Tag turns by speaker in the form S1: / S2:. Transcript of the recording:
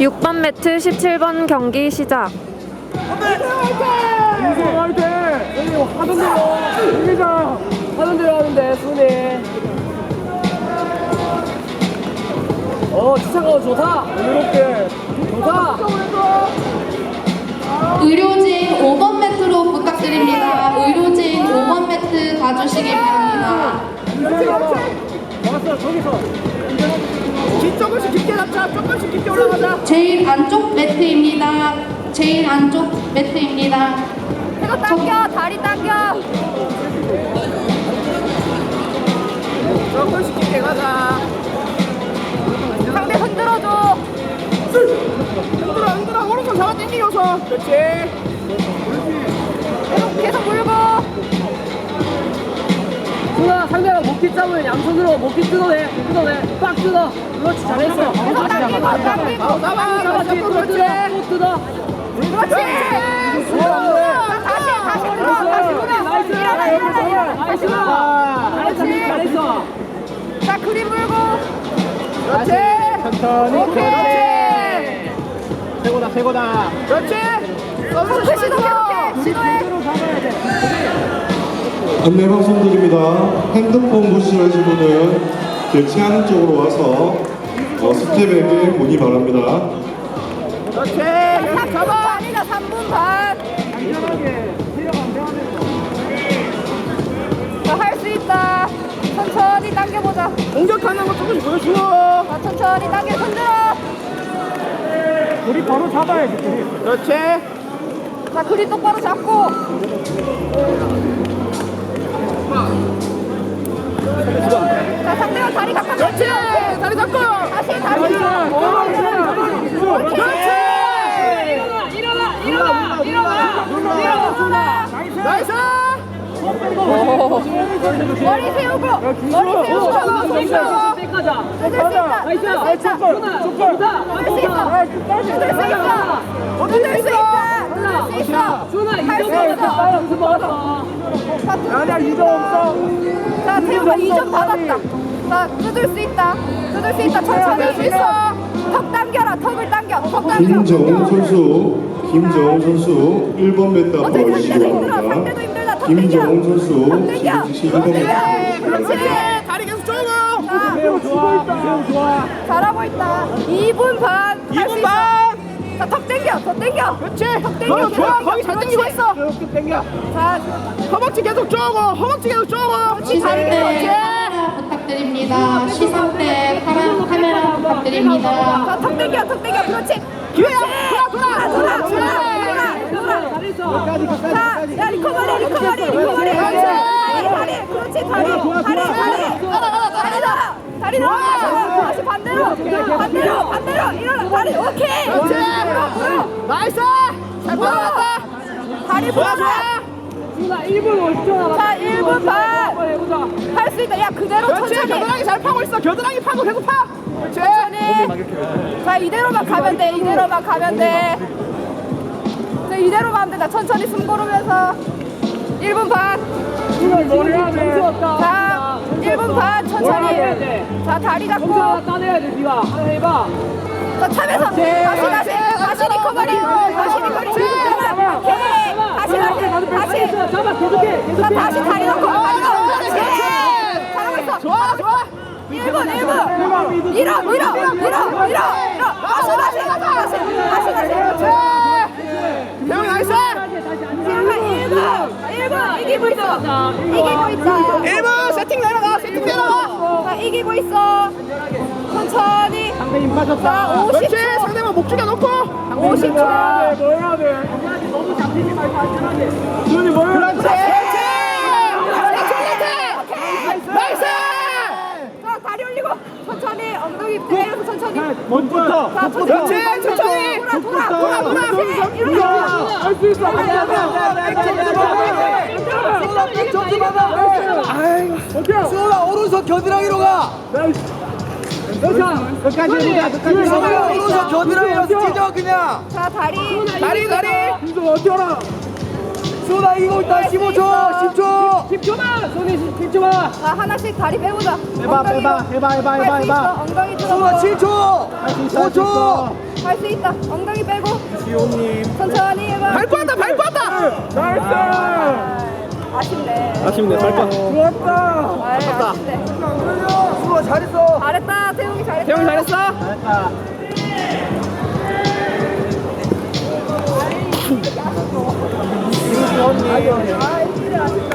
S1: 6번 매트 17번 경기 시작.
S2: 인생 화이팅! 여기 하던 대로 이기자! 하던 대로 하는데 순이 추천가 좋다! 여유롭게 좋다!
S3: 의료진 5번 매트로 부탁드립니다. 의료진 5번 매트 가주시기 바랍니다.
S2: 왔어 저기서 조금씩 깊게 잡자. 조금씩 깊게 올라가자.
S3: 제일 안쪽 매트입니다. 제일 안쪽 매트입니다.
S1: 이거 당겨, 다리 당겨.
S2: 조금씩 깊게 가자.
S1: 상대 흔들어줘.
S2: 흔들어 오른손 잡아 당기고서 그렇지.
S1: 계속 물고.
S2: 누나 상대가 목뒤 잡으면 양손으로 목뒤 뜯어내 빡 뜯어. 그렇지 잘했어.
S1: 계속 당기고, 당기고.
S2: 잡아 또 뜯어.
S1: 그렇지. 다시 들어. 다시 일어나.
S2: 잘했어.
S1: 자, 그림 물고.
S2: 그렇지. 천천히.
S1: 오케이.
S2: 최고다. 그렇지.
S1: 그렇게 시도해.
S4: 안내 방송드립니다. 핸드폰 보시는 분은 교체하는 쪽으로 와서 스텝에게 문의 바랍니다.
S2: 그렇지.
S1: 3분 반이다, 3분 반.
S2: 안전하게
S1: 자, 할 수 있다. 천천히 당겨보자.
S2: 공격하는 거 조금씩 보여줘.
S1: 자, 천천히 당겨, 흔들어.
S2: 우리 바로 잡아야지. 그렇지.
S1: 자, 그립 똑바로 잡고. 자, 상대가 다리 가까이.
S2: 그렇지. 다리 잡고.
S1: 다시. 일어나.
S2: 나이스.
S1: 머리 세우고. 뜯을 수 있어.
S2: 준아
S1: 할 수
S2: 이점
S1: 있어.
S2: 받았어. 아니야 2점 없어.
S1: 자, 태우가 2점 받았다. 자, 뜯을 수 있다. 천천히 할 수 있어. 턱 당겨라. 턱을 당겨. 턱 당겨.
S4: 김정훈 선수 1번 매트 앞으로
S1: 어차피
S4: 와주시기
S1: 상대도 힘들어.
S4: 바랍니다.
S1: 상대도 힘들다. 턱
S4: 김정훈
S1: 당겨.
S4: 선수
S1: 턱 당겨.
S4: 지금 1번 매트
S1: 그렇지.
S2: 다리 계속 쪼고.
S1: 자,
S2: 매우 좋아.
S1: 잘하고 있다. 2분 반.
S2: 2분 반.
S1: 자, 턱 당겨. 더 당겨.
S2: 그렇지.
S1: 턱 당겨.
S2: 좋아. 거기 잘 당기고 있어. 이렇게 당겨.
S1: 자,
S2: 허벅지 계속 쪼고.
S3: 시상대 카메라 부탁드립니다. 시상대 카메라 부탁드립니다.
S1: 자, 턱 당겨. 그렇지.
S2: 기회야.
S1: 돌아. 자, 야, 리커버리. 그렇지, 다리 나와. 다시 반대로. 일어나. 다리, 오케이.
S2: 그렇지.
S1: 물어.
S2: 나이스. 잘 받아왔다.
S1: 다리 풀어줘.
S2: 준아 1분 50초 남았어.
S1: 자, 1분 반.
S2: 해보자.
S1: 할 수 있다. 야, 그대로
S2: 그렇지.
S1: 천천히.
S2: 겨드랑이 잘 파고 있어. 겨드랑이 파고 계속 파. 그렇지.
S1: 천천히. 자, 이대로만 가면 돼. 자, 이대로 가면 된다. 천천히 숨 고르면서. 1분 반.
S2: 준아 머리 해야 돼.
S1: 자, 1분 반 천천히. 자, 다리 잡고.
S2: 점수 하나 따내야 돼. 네가 하나 해봐.
S1: 자, 차면서. 다시 리커버리. 다시.
S2: 잡아. 계속해.
S1: 자, 다시 다리 놓고. 그렇지. 잘하고 있어.
S2: 좋아.
S1: 1분. 밀어. 다시.
S2: 대형이 나이스.
S1: 1분. 이기고 있어.
S2: 1분 세팅 내려가.
S1: 자, 이기고 있어. 천천히.
S2: 상대 힘
S1: 자,
S2: 빠졌다.
S1: 50초.
S2: 그렇지. 상대만 목 죽여놓고.
S1: 50초.
S2: 뭐 해야 돼? 너무 잡히지 말고 안전하게. 준이 뭘 해야 돼? 나이스.
S1: 자, 다리 올리고. 천천히. 엉덩이 내려서 천천히.
S2: 먼저부터.
S1: 자,
S2: 그렇지. 천천히.
S1: 돌아. 일어나.
S2: 할수 있어. 점수 받아.
S5: 수호가 오른손 겨드랑이로 가.
S2: 끝까지 해보자.
S5: 수호가 오른손 겨드랑이로 찢어 그냥.
S1: 자, 다리.
S2: 이거 어떻게 알아?
S5: 수호가 이기고 있다. 15초. 10초.
S2: 10초만. 손이 10초만.
S1: 자, 하나씩 다리 빼보자.
S2: 해봐.
S1: 엉덩이 들어서.
S5: 수호가 7초. 5초.
S1: 할 수 있다. 엉덩이 빼고.
S5: 지호님.
S1: 천천히 해봐.
S2: 발 뻗었다 발 뻗었다.
S5: 나이스.
S1: 아쉽네.
S2: 아쉽네 발 뻗.
S5: 좋았다.
S1: 아쉽네.
S5: 수아 잘했어.
S1: 잘했다. 태용이 잘했다.
S2: 태용이 잘했어.
S5: 잘했다.
S1: 아, 진짜 아쉽다.